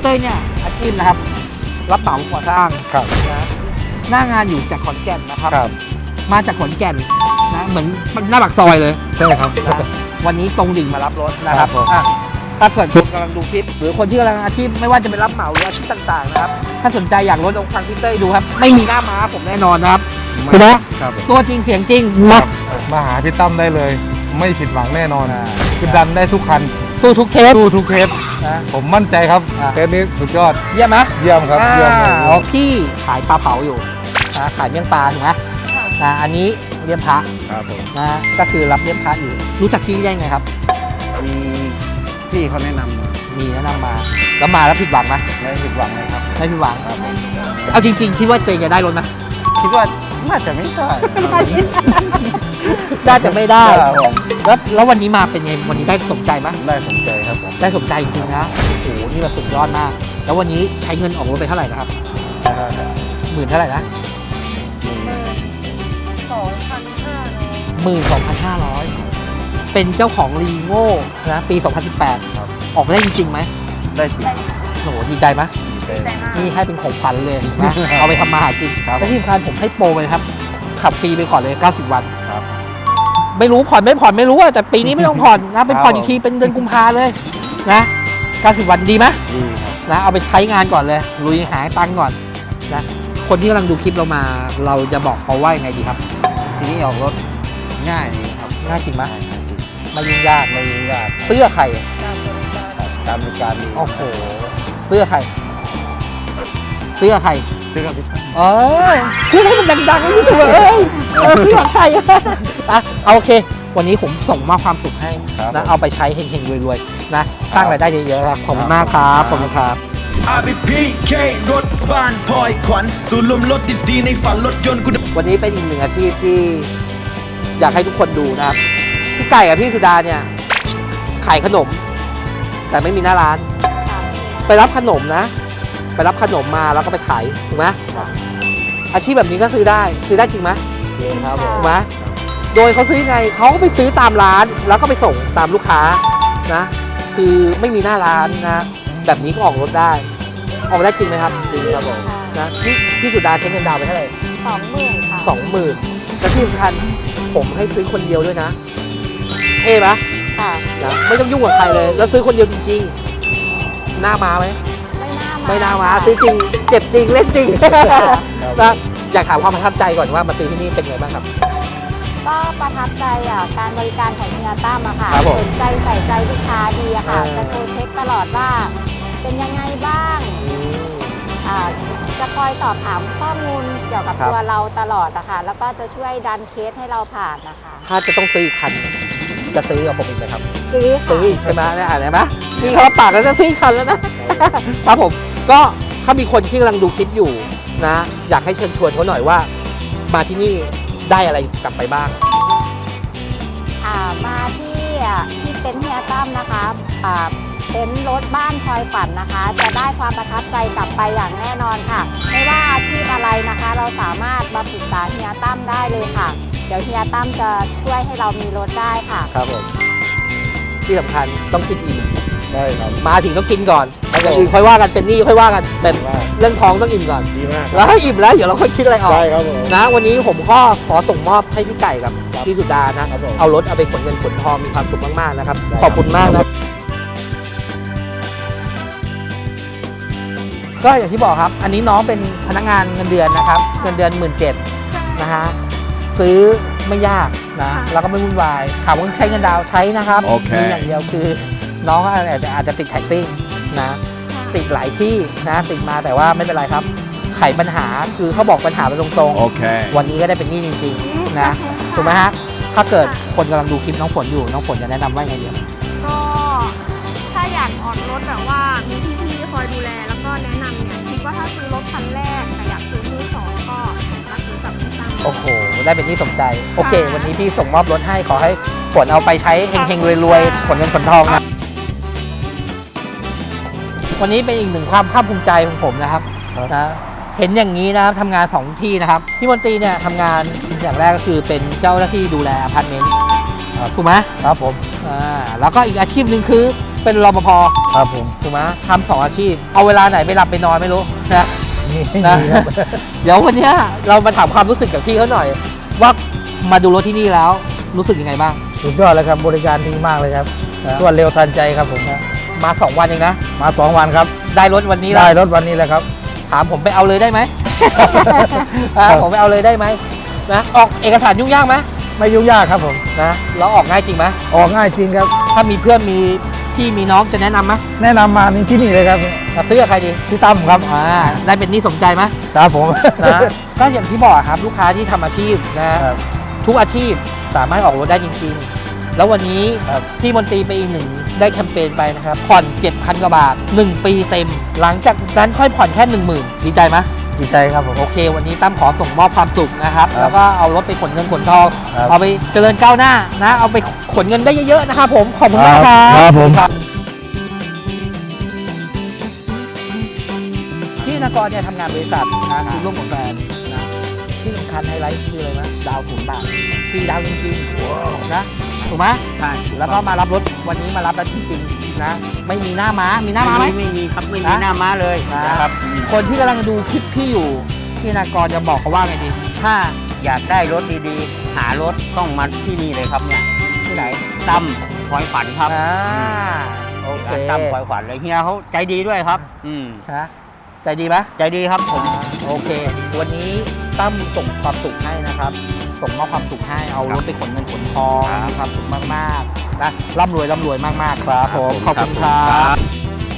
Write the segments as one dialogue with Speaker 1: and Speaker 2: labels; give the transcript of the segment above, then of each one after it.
Speaker 1: ต้ยเนี่ยอาชีพนะครับรับเหมาก่อสร้าง
Speaker 2: ครับ
Speaker 1: นะหน้างานอยู่จากขอนแก่นนะครับ
Speaker 2: ครับ
Speaker 1: มาจากขอนแก่นนะเหมือนหน้าปากซอยเลย
Speaker 2: ใช่ครับ
Speaker 1: นะวันนี้ตรงดิ่งมารับรถนะครับ
Speaker 2: ครับผม
Speaker 1: อ่ะถ้าเกิดคนกำลังดูคลิปหรือคนที่กำลังอาชีพไม่ว่าจะเป็นรับเหมาหรืออาชีพต่างๆนะครับถ้าสนใจอยากรถองค์ฟังพี่เต้ยดูครับไม่มีหน้าม้าผมแน่นอนนะครับถูกไหม
Speaker 2: ครับ
Speaker 1: ตัวจริงเสียงจริง
Speaker 2: ค
Speaker 1: มา
Speaker 2: รับมาหาพี่ตั้มได้เลย ไม่ผิดหวังแน่นอน
Speaker 1: อ่า
Speaker 2: คือดันได้ทุกคัน
Speaker 1: สู้ทุกเคส
Speaker 2: สู้ทุกเคส
Speaker 1: นะ
Speaker 2: ผมมั่นใจครับ
Speaker 1: อ่า
Speaker 2: เทสนี้สุดยอด
Speaker 1: เยี่ยมไหม
Speaker 2: เยี่ยมครับเยี่ยม
Speaker 1: อ๋อพี่ขายปลาเผาอยู่นะขายเมี่ยงปลาถูกไหมนะอันนี้เลี้ยงพระ
Speaker 2: ครับผม
Speaker 1: นะก็คือรับเลี้ยงพระอยู่รู้จักพี่ได้ไงครับ
Speaker 2: มีพี่เขาแนะนำมา
Speaker 1: มีแนะนำมาแล้วมาแล้วผิดหวังไหม
Speaker 2: ไม่ผิดหวังเลยครับ
Speaker 1: ไม่ผิดหวัง
Speaker 2: ครับผม
Speaker 1: เอาจริงๆคิดว่าตัวเองจะได้รถไหม
Speaker 2: คิดว่าน่าจะไม่ได้
Speaker 1: น่าจะไม่ได้
Speaker 2: ครับผม
Speaker 1: แล้ววันนี้มาเป็นไงวันนี้ได้สมใจไหม
Speaker 2: ได้สนใจครับผม
Speaker 1: ได้สมใจจริงๆนะโอ้โหนี่แบบสุดยอดมาก แล้ววันนี้ใช้เงินออกรถไปเท่าไหร่นะครับหมื่นเท่าไหร่นะ 12,500เป็นเจ้าของรีโง่นะปี 2018
Speaker 2: ครับ
Speaker 1: ออกมาได้จริงๆไหม
Speaker 2: ได้จริง
Speaker 1: โอ้โหดีใจไหม
Speaker 2: ดีใจ
Speaker 1: นี่ให้เป็นของขวัญเลยนะ เอาไปทำมาหากิน
Speaker 2: ครับ
Speaker 1: และที่สำคัญผมให้โปรเลยครับ ขับฟรีไปก่อนเลย 90 วัน
Speaker 2: ครับ
Speaker 1: ไม่รู้ผ่อนไม่ผ่อนไม่รู้อะแต่ปีนี้ไม่ต้องผ่อนนะ เป็นผ่อนอีกทีเป็นเดือนกุมภาเลยนะ 90 วันดีไหม
Speaker 2: ดีครับ
Speaker 1: นะเอาไปใช้งานก่อนเลย ลุยหาตังค์ก่อนนะคนที่กำลังดูคลิปเรามา เราจะบอกเขาว่ายังไงดีครับ
Speaker 2: ทีนี้ออกรถง่ายดีครับ
Speaker 1: ง่ายจริงไหม
Speaker 2: ง่ายดี
Speaker 1: ไม่ยุ่งยาก
Speaker 2: ไม่ยุ่งยาก
Speaker 1: เสื้อใคร
Speaker 2: การบริการดี
Speaker 1: โอ้โหเสื้อใครเสื้อใคร
Speaker 2: ซื้อกับพี่ตั้ม
Speaker 1: เออพูดให้มันดังๆให้รู้สึกว่าเอ้ยเสื้อใครอะเอาโอเค วันนี้ผมส่งมอบความสุขให้นะเอาไปใช้เฮงๆรวยๆนะสร้างรายได้เยอะๆครับขอบคุณมากครับขอบคุณครับ
Speaker 3: RBPK รถบ้านพลอยขวัญศูนย์รวมรถดีๆในฝันรถยนต์คุณ
Speaker 1: วันนี้เป็นอีกหนึ่งอาชีพที่อยากให้ทุกคนดูนะครับพี่ไก่กับพี่สุดาเนี่ยขายขนม แต่ไม่มีหน้าร้าน ไปรับขนมนะ ไปรับขนมมาแล้วก็ไปขายถูกไหมอาชีพแบบนี้ก็ซื้อได้จริงไหม
Speaker 2: จริงครับผม
Speaker 1: ถูกไหมโดยเขาซื้อไงเขาก็ไปซื้อตามร้านแล้วก็ไปส่งตามลูกค้านะคือไม่มีหน้าร้านนะแบบนี้ก็ออกรถได้ออกได้จริงไหมครับ
Speaker 2: จริงครับผม
Speaker 1: นะพี่สุดาใช้เงินดาวน์ไปเท่าไหร่
Speaker 4: 20,000 ค่ะ
Speaker 1: 20,000และที่สำคัญผมให้ซื้อคนเดียวด้วยนะเท่ปะ
Speaker 4: ค่ะ
Speaker 1: นะไม่ต้องยุ่งกับใครเลย แล้วซื้อคนเดียวจริงๆหน้ามาไหม
Speaker 4: ไม่น่ามา
Speaker 1: ไม่น่ามา
Speaker 4: ค่ะ
Speaker 1: ซื้อจริงเจ็บจริงเล่นจริง
Speaker 4: ค่ะ
Speaker 1: นะอยากถามความประทับใจก่อนว่ามาซื้อที่นี่เป็นไงบ้างครับ
Speaker 4: ก็ประทับใจการบริการของเฮียตั้มอะค่ะ
Speaker 1: ครับผม
Speaker 4: สนใจใส่ใจลูกค้าดีอะค่ะ
Speaker 1: เออ
Speaker 4: จะโทรเช็คตลอดว่า เป็นยังไงบ้างอ่าจะคอยสอบถามข้อมูลเกี่ยวกับ
Speaker 1: ครับ
Speaker 4: ตัวเราตลอดอะค่ะแล้วก็จะช่วยดันเคสให้เราผ่านนะคะ
Speaker 1: ถ้าจะต้องซื้ออีกคันจะซื้อกับผมอีกไหมครับ
Speaker 4: ซื้อค่ะ
Speaker 1: ซื้ออีกใช่ไหมเนี่ยอะไรไหมนี่เขารับปากแล้วจะซื้ออีกคันแล้วนะ ครับผมก็ถ้ามีคนที่กำลังดูคลิปอยู่นะ อยากให้เชิญชวนเขาหน่อยว่า มาที่นี่ได้อะไรกลับไปบ้าง
Speaker 4: มาที่เต็นท์เฮียตั้มนะคะเต็นท์รถบ้านพลอยฝันนะคะ จะได้ความประทับใจกลับไปอย่างแน่นอนค่ะ ไม่ว่าอาชีพอะไรนะคะ เราสามารถมาปรึกษาเฮียตั้มได้เลยค่ะ เดี๋ยวเฮียตั้มจะช่วยให้เรามีรถได้ค่ะ
Speaker 1: ครับผมที่สำคัญต้องกินอิ่ม
Speaker 2: ได้ครับ
Speaker 1: มาถึงต้องกินก่อน
Speaker 2: ครับ
Speaker 1: อย่างอื่นค่อยว่ากันเป็นหนี้ค่อยว่ากันแต่
Speaker 2: ว่า
Speaker 1: เรื่องท้องต้องอิ่มก่อน
Speaker 2: ดีมาก
Speaker 1: แล้วให้อิ่มแล้วเดี๋ยวเราค่อยคิดอะไรออก
Speaker 2: ได้ครับผม
Speaker 1: นะวันนี้ผมก็ขอส่งมอบให้พี่ไก่กับ
Speaker 2: ครับ
Speaker 1: พี่สุดานะครับ
Speaker 2: ผม
Speaker 1: เอารถเอาไปขนเงินขนทองมีความสุขมากๆนะครับ
Speaker 2: ได้ครับ
Speaker 1: ขอบคุณมากนะก็อย่างที่บอกครับ อันนี้น้องเป็นพนักงานเงินเดือนนะครับเงินเดือน 17,000นะฮะซื้อไม่ยากนะแล้วก็ไม่วุ่นวายถามว่าใช้เงินดาวน์ใช้นะครับ
Speaker 2: โอเค
Speaker 1: มีอย่างเดียวคือ น้องอาจจะติดแท็กซี่นะติดหลายที่นะติดมาแต่ว่าไม่เป็นไรครับ ไขปัญหาคือเขาบอกปัญหาไปตรงๆ
Speaker 2: Okay.
Speaker 1: วันนี้ก็ได้เป็นหนี้จริงๆนะถูกไหมฮะถ้าเกิดคนกำลังดูคลิปน้องฝนอยู่น้องฝนจะแนะนำว่าไงเดียว
Speaker 5: ก็ถ้าอยากออกรถแบบว่ามีพี่ๆคอยดูแลแล้วก็แนะนำเนี่ยคิดว่าถ้าซื้อรถคันแรกแต่อยากซื้อมือสองก็มาซื้อกับพี่ตั้ม
Speaker 1: โอ้โหได้เป็นหนี้สมใจโอเค วันนี้พี่ส่งมอบรถให้ขอให้ฝนเอาไปใช้เฮงๆรวยๆขนเงินขนทองนะวันนี้เป็นอีกหนึ่งความภาคภูมิใจของผมนะครับ
Speaker 2: ครับ
Speaker 1: นะเห็นอย่างนี้นะครับทำงาน2ที่นะครับพี่มนตรีเนี่ยทำงานอย่างแรกก็คือเป็นเจ้าหน้าที่ดูแลอพาร์ตเมนต์ถูกไหม
Speaker 2: ครับผม
Speaker 1: แล้วก็อีกอาชีพหนึ่งคือไปเป็นรปภ
Speaker 2: ครับผม
Speaker 1: ถูกไหมทำ2 อาชีพ เอาเวลาไหนไปหลับไปนอนไม่รู้นะ
Speaker 2: นี่
Speaker 1: นะ
Speaker 2: ครับ
Speaker 1: เดี๋ยววันเนี้ยเรามาถามความรู้สึกกับพี่เขาหน่อย ว่ามาดูรถที่นี่แล้วรู้สึกยังไงบ้าง
Speaker 2: สุดยอดเลยครับบริการดีมากเลยครับ
Speaker 1: นะ
Speaker 2: รวดเร็วทันใจครับผม
Speaker 1: มา 2 วันเองนะ
Speaker 2: มา2 วันครับ
Speaker 1: ได้รถวันนี้แล้
Speaker 2: ได้
Speaker 1: ว
Speaker 2: รถวันนี้แล้วครับ
Speaker 1: ถามผมไปเอาเลยได้ไหม ผมไปเอาเลยได้ไหมนะออกเอกสารยุ่งยากไหม
Speaker 2: ไม่ยุ่งยากครับผม
Speaker 1: นะแล้วออกง่ายจริงไหม
Speaker 2: ออกง่ายจริงครับ
Speaker 1: ถ้ามีเพื่อนมีพี่มีน้องจะแนะนำไหม
Speaker 2: แนะนำมานี่ที่นี่เลยครับ
Speaker 1: จะซื้อกับใครดี
Speaker 2: พี่ตั้มครับ
Speaker 1: ได้เป็นหนี่สมใจไหม
Speaker 2: ครับผม
Speaker 1: นะก็อย่างที่บอกครับลูกค้าที่ทำอาชีพนะครับ ทุกอาชีพสามารถออกรถได้จริงๆ แล้ววันนี้
Speaker 2: ครับ
Speaker 1: พี่มนตรีไปอีกหนึ่งได้แคมเปญไปนะครับผ่อน7,000 กว่าบาท 1 ปีเต็ม หลังจากนั้นค่อยผ่อนแค่ 10,000 ดีใจไหม
Speaker 2: ดีใจครับผม
Speaker 1: โอเค วันนี้ตั้มขอส่งมอบความสุขนะครับ
Speaker 2: ครับ
Speaker 1: แล้วก็เอารถไปขนเงินขนทอง
Speaker 2: ครับ
Speaker 1: เอาไปเจริญก้าวหน้านะเอาไปขนเงินได้เยอะๆนะครับผมขอบคุณมากครับ
Speaker 2: ครับผม
Speaker 1: พี่นกรเนี่ยทำงานบริษัทนะคือร่วมกับแฟนนะที่สำคัญไฮไลท์คืออะไรนะดาว0 บาทฟรีดาวจริงๆนะถูกไหม
Speaker 6: ใช่
Speaker 1: แล้วก็มารับรถวันนี้มารับแล้วจริงๆนะไม่มีหน้าม้ามีหน้าม้าไหม
Speaker 6: ไม่มีครับไม่มี
Speaker 1: นะ
Speaker 6: หน้าม้าเลย
Speaker 1: นะ
Speaker 6: นะครับ
Speaker 1: คนที่กำลังดูคลิปพี่อยู่พี่นากรจะบอกเขาว่าไงดี
Speaker 6: ถ้าอยากได้รถดีๆ หารถต้องมาที่นี่เลยครับเนี่ย
Speaker 1: ที่ไหน
Speaker 6: ตั้มพลอยฝันครับ
Speaker 1: โอเค
Speaker 6: ร้านตั้มพลอยฝันเลยเฮียเขาใจดีด้วยครับ
Speaker 1: นะใจดีไหม
Speaker 6: ใจดีครับผม
Speaker 1: โอเค วันนี้ตั้มส่งความสุขให้นะครับ ส่งมอบความสุขให้เอารถไปขนเงินขนทอง
Speaker 6: ครับ
Speaker 1: มีความสุขมากๆนะร่ำรวยมากๆครับผมขอบคุณครั
Speaker 6: ครับ บ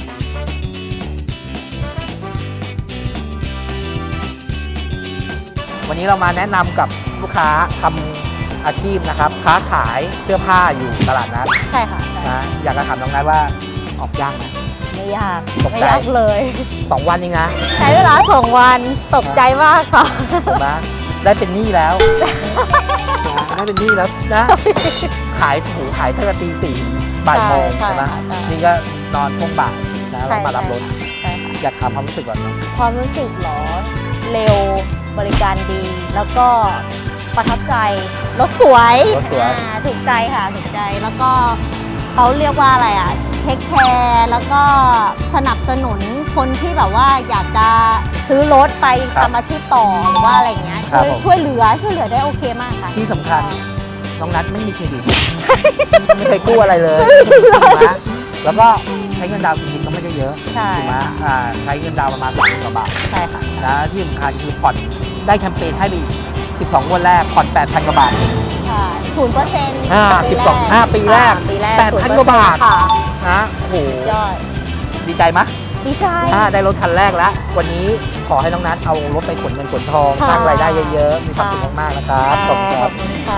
Speaker 1: วันนี้เรามาแนะนำกับลูกค้าทำอาชีพนะครับ ค้าขายเสื้อผ้าอยู่ตลาดนัด
Speaker 4: ใช่ค่ะใช่
Speaker 1: นะอยากจะถามน้องนัทว่าออกยากไหม
Speaker 4: ไม่ยาก
Speaker 1: ตกใจ
Speaker 4: ไม่ยากเลย
Speaker 1: 2 วันเองนะ
Speaker 4: ใช้เวลา2 วันตกใจมากค่ะ
Speaker 1: ถูกไหมได้เป็นหนี้แล้วได้เป็นหนี้แล้วนะขายหูขายตั้งแต่ตี 4 บ่ายโมง
Speaker 4: ใช่
Speaker 1: ใช่ไหม
Speaker 4: ค่ะใช่
Speaker 1: นี่ก็นอนช่วงบ่ายนะ
Speaker 4: ใช่
Speaker 1: แล้วมารับรถ
Speaker 4: ใช่ค่ะ
Speaker 1: อยากถามความรู้สึกก่อนเนอะ
Speaker 4: ความรู้สึกเหรอ เร็วบริการดี แล้วก็ประทับใจรถสวย
Speaker 1: รถสวย
Speaker 4: ถูกใจค่ะถูกใจแล้วก็เขาเรียกว่าอะไรอ่ะเทคแคร์แล้วก็สนับสนุนคนที่แบบว่าอยากจะซื้อรถไปทำอาชีพต่อหรือว่าอะไรอย่างเงี้ยช่วยเหลือได้โอเคมากค่ะ
Speaker 1: ที่สำคัญน้องนัทไม่มีเครดิตไม่เคยกู้อะไรเลยถูกไหมแล้วก็ใช้เงินดาวน์จริงๆก็ไม่ได้เยอะ
Speaker 4: ใช่
Speaker 1: ถูกไหมใช้เงินดาวน์ประมาณ30,000 กว่าบาท
Speaker 4: ใช่ค่ะ
Speaker 1: นะที่สำคัญคือผ่อนได้แคมเปญให้ไปอีก12 งวดแรกผ่อน 8,000 กว่าบาท
Speaker 4: ค่ะ0%
Speaker 1: 12ปีแรก
Speaker 4: ปีแรก
Speaker 1: 8,000 กว่าบาท
Speaker 4: ค่ะ
Speaker 1: นะโอ้โห
Speaker 4: ยอด
Speaker 1: ดีใจไหม
Speaker 4: ดีใจ
Speaker 1: ได้รถคันแรกแล้ว วันนี้ขอให้น้องนัทเอารถไปขนเงินขนทอง
Speaker 4: ค่ะ
Speaker 1: สร้างรายได้เยอะๆ มีความสุขมากๆนะครับขอบคุณครับ
Speaker 4: ขอบคุณค่ะ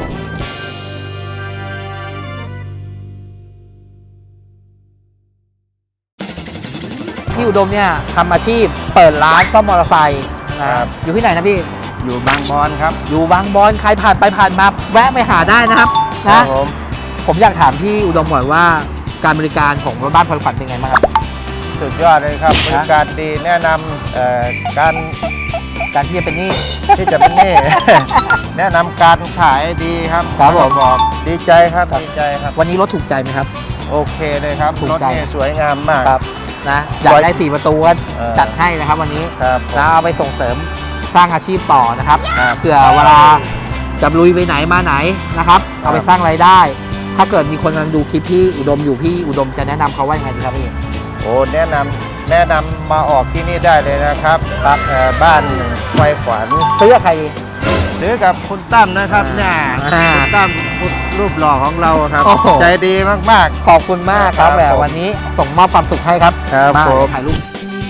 Speaker 1: พี่อุดมเนี่ยทำอาชีพเปิดร้านซ่อมมอเตอร์ไซค์นะครับ อยู่ที่ไหนนะพี่
Speaker 2: อยู่บางบอนครับ
Speaker 1: อยู่บางบอนใครผ่านไปผ่านมาแวะไปหาได้นะครับ
Speaker 2: ครั
Speaker 1: นะ
Speaker 2: บผม
Speaker 1: ผมอยากถามพี่อุดมหน่อยว่าการบริการของรถบ้านพลอยฝันเป็นไงบ้างครับ
Speaker 2: สุดยอดเลยครับบริการดีแนะนำการ
Speaker 1: การที่จะเป็นหนี้
Speaker 2: ที่จะเป็นหนี่ แนะนำการขายดีครับ
Speaker 1: ครับผม
Speaker 2: บอกดีใจครับดีใจครับ
Speaker 1: วันนี้รถถูกใจไหมครับ
Speaker 2: โอเคเลยครับ
Speaker 1: ถูก
Speaker 2: รถ
Speaker 1: ใจ
Speaker 2: นี่สวยงามมาก
Speaker 1: ครับนะอยากได้4 ประตูก็
Speaker 2: เออ
Speaker 1: จัดให้นะครับวันนี้
Speaker 2: ครับผม
Speaker 1: นะเอาไปส่งเสริมสร้างอาชีพต่อนะครับ
Speaker 2: ครับ
Speaker 1: เผื่อเวลาจะลุยไปไหนมาไหนนะครับ เอาไปสร้างรายได้ ถ้าเกิดมีคนกำลังดูคลิปพี่อุดมอยู่พี่อุดมจะแนะนำเขาว่ายังไงดีครับพี่
Speaker 2: โอ้แนะนำมาออกที่นี่ได้เลยนะครับบ้านไฟขวัญ
Speaker 1: ซื้อกับใครดี
Speaker 2: หรือกับคุณตั้มนะครับเนี่ย
Speaker 1: อ่า
Speaker 2: คุณตั้มรูปหล่อของเราครับ
Speaker 1: โอ้โห
Speaker 2: ใจดีมาก
Speaker 1: ขอบคุณมากครับ
Speaker 2: ครับ
Speaker 1: แหม
Speaker 2: ผม
Speaker 1: วันนี้ส่งมอบความสุขให้ครับ
Speaker 2: ครับ
Speaker 1: มา
Speaker 2: ผม
Speaker 1: ถ่ายรูป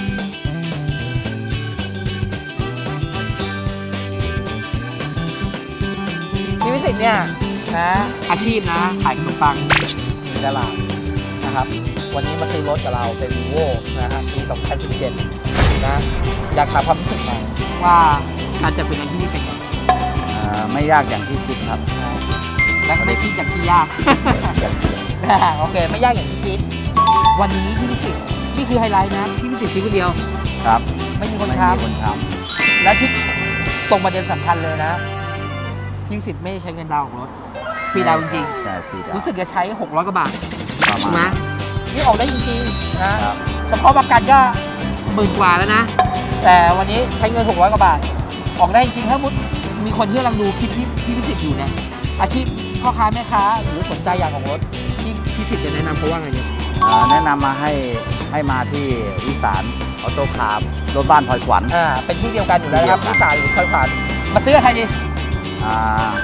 Speaker 1: พี่วิสิทธิ์เนี่ยนะอาชีพนะขายขนมปังในตลาดนะครับ วันนี้มาซื้อรถกับเราเป็น Vivo นะครับปี 2017 นะอยากถามความรู้สึกหน่อยว่าการจัดเป็นงานที่นี่เป็นไง
Speaker 6: ไม่ยากอย่างที่คิดครับ
Speaker 1: และไม่คิดอย่างที่ยาก โอเค ไม่ยากอย่างที่คิด วันนี้พี่วิสิทธิ์นี่คือไฮไลท์นะพี่วิสิทธิ์ซื้อคนเดียว
Speaker 6: ครับ
Speaker 1: ไม่มีคน
Speaker 6: ไม่
Speaker 1: ค้
Speaker 6: มีคนท
Speaker 1: ำและที่ตรงประเด็นสำคัญเลยนะพี่วิสิทธิ์ไม่ใช้เงินดาวน์ของรถฟรีดาวน์จริง
Speaker 6: ำใช่ฟรีดาว
Speaker 1: ๆรู้สึกจะใช้600 กว่าบาท
Speaker 6: ประ
Speaker 1: ถูกไหม
Speaker 6: มาณ
Speaker 1: นี่ออกได้จริงๆนะเฉพาะประกันก็10,000 กว่าแล้วนะ แต่วันนี้ใช้เงิน600 กว่าบาท ออกได้จริงๆถ้ามุดมีคนที่กำลังดูคลิปที่พี่พิสิทธิ์อยู่เนี่ยอาชีพพ่อค้าแม่ค้าหรือสนใจอยากออกรถที่พิสิทธิ์จะแนะนำเขาว่าไงเนี่ย
Speaker 6: แนะนำมาให้มาที่วิสารออโต้คาร์รถบ้านพลอยขวัญ
Speaker 1: เป็นที่เดียวกันอยู่แล้วนะครับที่สายหรือคอยผ่านมาซื้อกับใครดี
Speaker 6: อ่า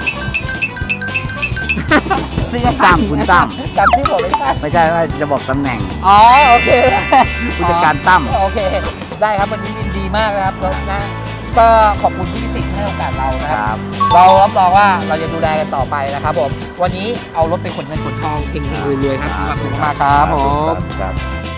Speaker 1: ซื้อกับ
Speaker 6: ตั้มคุณตั้ม
Speaker 1: จำชื่อผมไม่ได้
Speaker 6: ไม่ใช่ว่าจะบอกตำแหน่ง
Speaker 1: อ๋อโอเค
Speaker 6: ผู้จัดการตั้ม
Speaker 1: โอเค ได้ครับวันนี้ยินดีมากนะครับแล้วนะก็ขอบคุณที่พิสิทธิ์ให้โอกาสเรานะ
Speaker 6: ค
Speaker 1: ครับ
Speaker 6: รับ
Speaker 1: เรารับรองว่าเราจะดูแลกันต่อไปนะครับผมวันนี้เอารถไปขนเงินขนทองเก่งๆรวยๆครับมีความสุขมากครับผม
Speaker 6: ครับ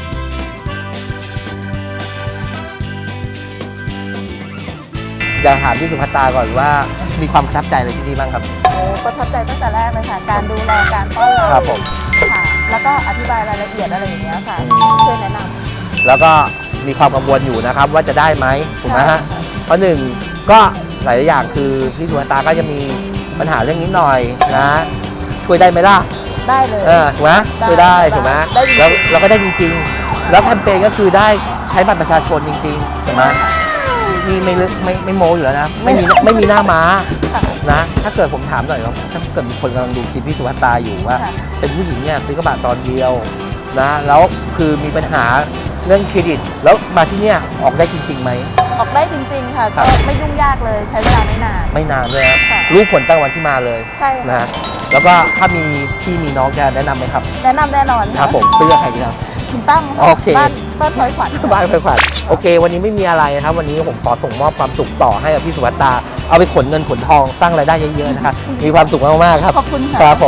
Speaker 1: อยากถามพี่สุภัตตาก่อนว่ามีความประทับใจอะไรที่นี่บ้างครับ
Speaker 4: โอ้ประทับใจตั้งแต่แรกเลยค่ะ การดูแลการต้อนรับ
Speaker 1: ครับผม
Speaker 4: ค่ะ แล้วก็อธิบายรายละเอียดอะไรอย่างเงี้ยค่ะ ช่วยแนะนำ
Speaker 1: แล้วก็มีความกังวลอยู่นะครับว่าจะได้ไหมถูกไหมฮะ
Speaker 4: ใช่ค่ะ
Speaker 1: เพราะหนึ่งก็หลายๆอย่างคือพี่สุภัตตาก็จะมีปัญหาเรื่องนี้หน่อยนะช่วยได้ไหมล่ะ
Speaker 4: ได้เลย
Speaker 1: ถูกไหม
Speaker 4: ได้
Speaker 1: ช่วยได้ถูกไหม
Speaker 4: ได้จริงๆ
Speaker 1: แล้วเราก็ได้จริง ๆ แล้วแคมเปญก็คือได้ใช้บัตรประชาชนจริงๆถูกไหมมีไม่โมอยู่แล้วนะไม่มีหน้าม้า
Speaker 4: ค่ะ
Speaker 1: นะถ้าเกิดผมถามหน่อยว่าถ้าเกิดมีคนกำลังดูคลิปพี่สุภัตตาอยู่ว่า
Speaker 4: ค่ะ
Speaker 1: เป็นผู้หญิงเนี่ยซื้อกระบะตอนเดียวนะแล้วคือมีปัญหาเรื่องเครดิต แล้วมาที่เนี่ยออกได้จริงๆไหม
Speaker 4: ออกได้จริง ๆ ค่ะ
Speaker 1: ครั
Speaker 4: ก็
Speaker 1: บ
Speaker 4: ไม่ยุ่งยากเลยใช้เวลาไม่นาน
Speaker 1: ไม่นานเลยนะ
Speaker 4: ค่ะ
Speaker 1: รู้ผลตั้งวันที่มาเลย
Speaker 4: ใช่ค่ะ
Speaker 1: นะแล้วก็ถ้ามีพี่มีน้องจะแนะนำไหมครับ
Speaker 4: แนะนำแน่นอน
Speaker 1: ครับผมซื้อกับใครดีครับ
Speaker 4: คุณตั้มะ
Speaker 1: โอเค
Speaker 4: บ้านพลอยขวัญ
Speaker 1: บ้านไฟขวัญโอเค วันนี้ไม่มีอะไรนะครับ วันนี้ผมขอส่งมอบความสุขต่อให้กับพี่สุภัตตา เอาไปขนเงินขนทองสร้างรายได้เยอะๆนะครับ มีความสุขมากๆครับ
Speaker 4: ขอบคุณค่ะ
Speaker 1: ครับผม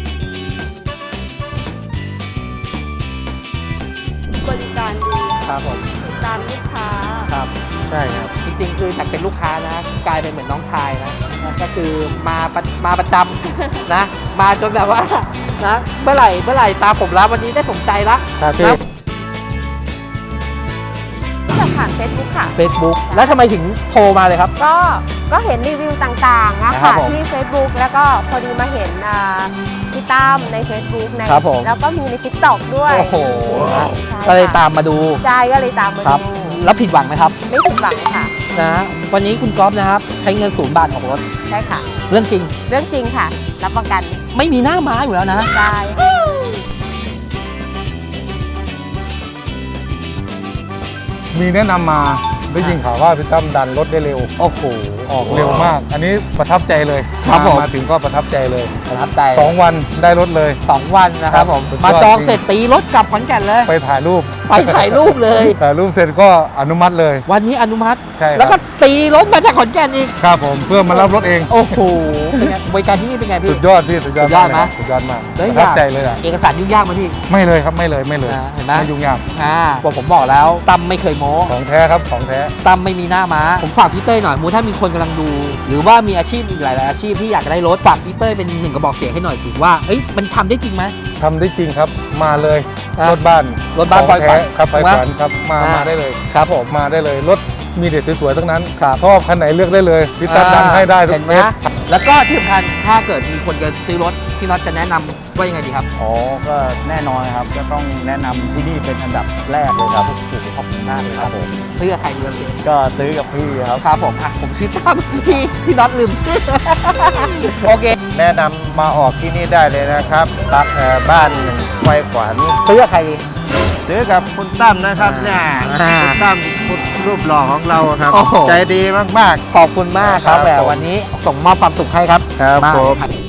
Speaker 5: บริการดี
Speaker 1: ครับผม
Speaker 5: ติดตามลูกค้า
Speaker 1: ครับใช่ครับจริงๆคือจากเป็นลูกค้านะกลายเป็นเหมือนน้องชายนะก็คือมาประจำ นะ มาจนแบบว่านะเมื่อไหร่ตาผมแล้ววันนี้ได้สมใจละ
Speaker 2: ครับพี่
Speaker 1: นะ
Speaker 5: จากผ่านเฟซบุ๊กค่ะ
Speaker 1: Facebook แล้วทำไมถึงโทรมาเลยครับ
Speaker 5: ก็เห็นรีวิวต่างๆนะ
Speaker 1: ครั
Speaker 5: คะ
Speaker 1: บผม
Speaker 5: ที่ Facebook แล้วก็พอดีมาเห็นพี่ตั้มใน Facebook ใน
Speaker 1: ครับผม
Speaker 5: แล้วก็มีใน TikTok ด้วย
Speaker 1: โอ้โหนะ
Speaker 5: ใช่
Speaker 1: ก็เลย
Speaker 5: ค่ะ
Speaker 1: ตามมาดู
Speaker 5: ใช่ก็เลยตามมา
Speaker 1: ครับ
Speaker 5: ดู
Speaker 1: แล้วผิดหวังไหมครับ
Speaker 5: ไม่ผิดหวังค่ะ
Speaker 1: นะวันนี้คุณก๊อฟนะครับ ใช้เงิน0 บาทออกรถ
Speaker 5: ใช่ค่ะ
Speaker 1: เรื่องจริง
Speaker 5: เรื่องจริงค่ะ รับประกัน
Speaker 1: ไม่มีหน้าม้าอยู่แล้วนะ
Speaker 5: ได้
Speaker 2: มีแนะนำมาได้ยินข่าวว่าพี่ตั้มดันรถได้เร็ว
Speaker 1: โอ้โห
Speaker 2: ออกเร็วมาก อันนี้ประทับใจเลย
Speaker 1: ครับผม
Speaker 2: มาถึงก็ประทับใจเลย
Speaker 1: ประทับใจ
Speaker 2: 2 วันได้รถเลย
Speaker 1: 2 วันนะครับผม
Speaker 2: สุดยอด
Speaker 1: มาจองเสร็จตีรถกลับขอนแก่นเลย
Speaker 2: ไปถ่ายรูป
Speaker 1: ไปถ่ายรูปเลย
Speaker 2: ถ่ายรูปเสร็จก็อนุมัติเลย
Speaker 1: วันนี้อนุมัติ
Speaker 2: ใช่ครับ
Speaker 1: แล้วก็ตีรถมาจากขอนแก่นอีก
Speaker 2: ครับผมเพื่อมารับรถเอง
Speaker 1: โอ้โหเป็นไงบริการที่นี่เป็นไงพี่
Speaker 2: สุดยอดพี่สุดยอด
Speaker 1: สุดยอด
Speaker 2: มาก
Speaker 1: ไหม
Speaker 2: เลยสุดยอดมาก
Speaker 1: แล้ว
Speaker 2: ประทับใจเลยอ่ะ
Speaker 1: เอกสารยุ่งยากไหมพี่
Speaker 2: ไม่เลยครับไม่เลย
Speaker 1: เห็นไหม
Speaker 2: ไม่ยุ่งยาก
Speaker 1: บอกผมบอกแล้วตั้มไม่เคยโม้
Speaker 2: ของแท้ครับของแท้
Speaker 1: ตั้มไม่มีหน้าม้า ผมฝากพี่เต้ยหน่อยมูถ้ามีคนกำลังดู หรือว่ามีอาชีพอีกหลายๆอาชีพที่อยากได้รถฝากพี่เต้ยเป็นหนึ่งกระบอกเสียงให้หน่อยสิว่าเอ้ยมันทำได้จริงไหม
Speaker 2: ทำได้จริงครับมาเลย
Speaker 1: นะ
Speaker 2: รถบ้าน
Speaker 1: รถบ้าน
Speaker 2: ของ
Speaker 1: ปล่อยขวั
Speaker 2: แท้
Speaker 1: ญ
Speaker 2: ครับปล่อย
Speaker 1: ถูกไหม
Speaker 2: ขวัญครับมาได้เลย
Speaker 1: ครับผม
Speaker 2: มาได้เลยรถมีเด็ดสวยๆทั้งนั้น
Speaker 1: ครับ
Speaker 2: ชอบคันไหนเลือกได้เลยพี่ตั้มดันให้ได้ทุ
Speaker 1: เห็
Speaker 2: ก
Speaker 1: นไหม
Speaker 2: เม็ด
Speaker 1: แล้วก็ที่สำคัญถ้าเกิดมีคนจะซื้อรถพี่น็อตจะแนะนำว่ายังไงดีครับ
Speaker 6: อ๋อ ก็แน่นอนครับก็ต้องแนะนำที่นี่เป็นอันดับแรกเลยครับขอบคุณมากเลยครับผม
Speaker 1: ซื้อกับใครดีครับพี่
Speaker 6: ก็ซื้อกับพี่ครับ
Speaker 1: ครับผมผมชื่อตั้มพี่น็อตลืมชื่อ โอเค
Speaker 2: แนะนำมาออกที่นี่ได้เลยนะครับตักบ้านไฟขวัญ
Speaker 1: ซื้อกับใครดี
Speaker 2: ซื้อกับคุณตั้มนะครับเนี่ย
Speaker 1: อ่า
Speaker 2: คุณตั้มคุณรูปหล่อของเราครับ
Speaker 1: โอ้โห
Speaker 2: ใจดีมาก
Speaker 1: ขอบคุณมากครับ
Speaker 2: ครับ
Speaker 1: แหม
Speaker 2: ผม
Speaker 1: วันนี้ส่งมอบความสุขให้ครับ
Speaker 2: ครับ
Speaker 1: มาก
Speaker 2: ผม
Speaker 1: ครับ